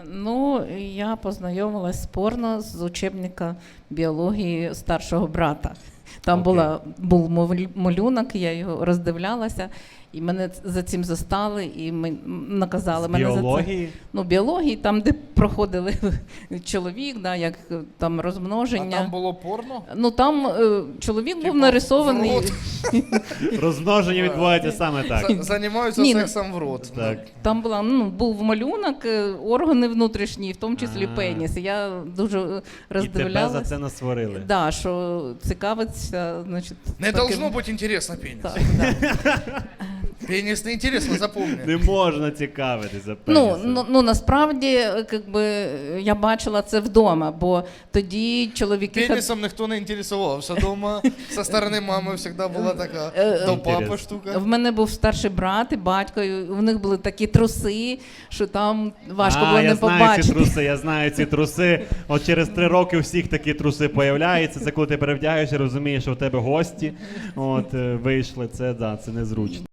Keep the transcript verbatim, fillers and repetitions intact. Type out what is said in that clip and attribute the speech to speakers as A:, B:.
A: Ну, я познайомилась з порно з учебника біології старшого брата. Там
B: Окей.
A: була, був мовль- малюнок, я його роздивлялася, і мене ц- за цим застали, і ми наказали
B: З
A: мене за це.
B: біології?
A: Ну, біології, там, де проходили чоловік, да, як е, там
C: А
A: розмноження.
C: там було порно?
A: Ну там е, чоловік був
C: Типу,
A: нарисований.
C: в рот.
B: Розмноження відбувається саме так.
C: За- Займаються
A: Ні, ну-
C: сексом в рот.
B: Так.
A: Там була, ну, був малюнок, е, органи внутрішні, в тому числі
B: А.
A: пеніс. І я дуже е,
B: І тебе
A: роздивлялася.
B: за це насварили.
A: Да, що цікавиться, значить.
C: Не
A: таким-
C: должно быть интересно пенис.
A: Так, да.
C: Пенис не интересно, запомни.
B: Не можна цікавитися
A: Ну,
B: пенісом.
A: ну, ну насправді, е, якби, я бачила це вдома, бо тоді чоловіки хад-
C: Пенисом ніхто не інтересувався дома. Со сторони мами завжди була така
A: Е,
C: до папи
B: Інтересно.
C: штука.
A: в мене був старший брат і батько, і в них були такі труси, що там важко
B: а,
A: було
B: я
A: не
B: знаю
A: побачити.
B: ці труси, я знаю ці труси. От через три роки у всіх такі труси появляються. Це коли ти перевдягаєшся, розумієш, що в тебе гості от, е, вийшли. Це, да, це незручно.